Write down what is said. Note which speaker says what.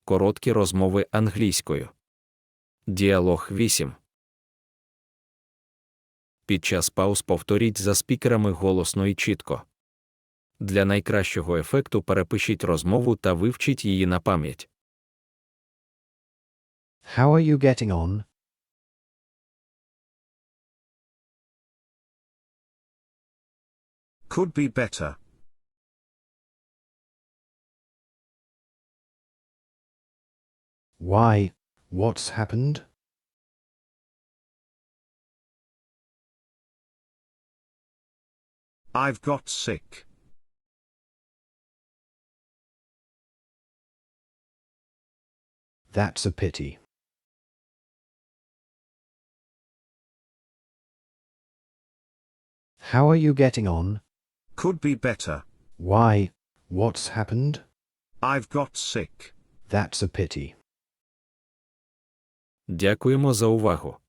Speaker 1: Короткі розмови англійською. Діалог 8. Під час пауз повторіть за спікерами голосно і чітко. Для найкращого ефекту перепишіть розмову та вивчіть її на пам'ять.
Speaker 2: How are you getting on?
Speaker 3: Could be better.
Speaker 2: Why? What's happened?
Speaker 3: I've got sick.
Speaker 2: That's a pity. How are you getting on?
Speaker 3: Could be better.
Speaker 2: Why? What's happened?
Speaker 3: I've got sick.
Speaker 2: That's a pity.
Speaker 1: Дякуємо за увагу.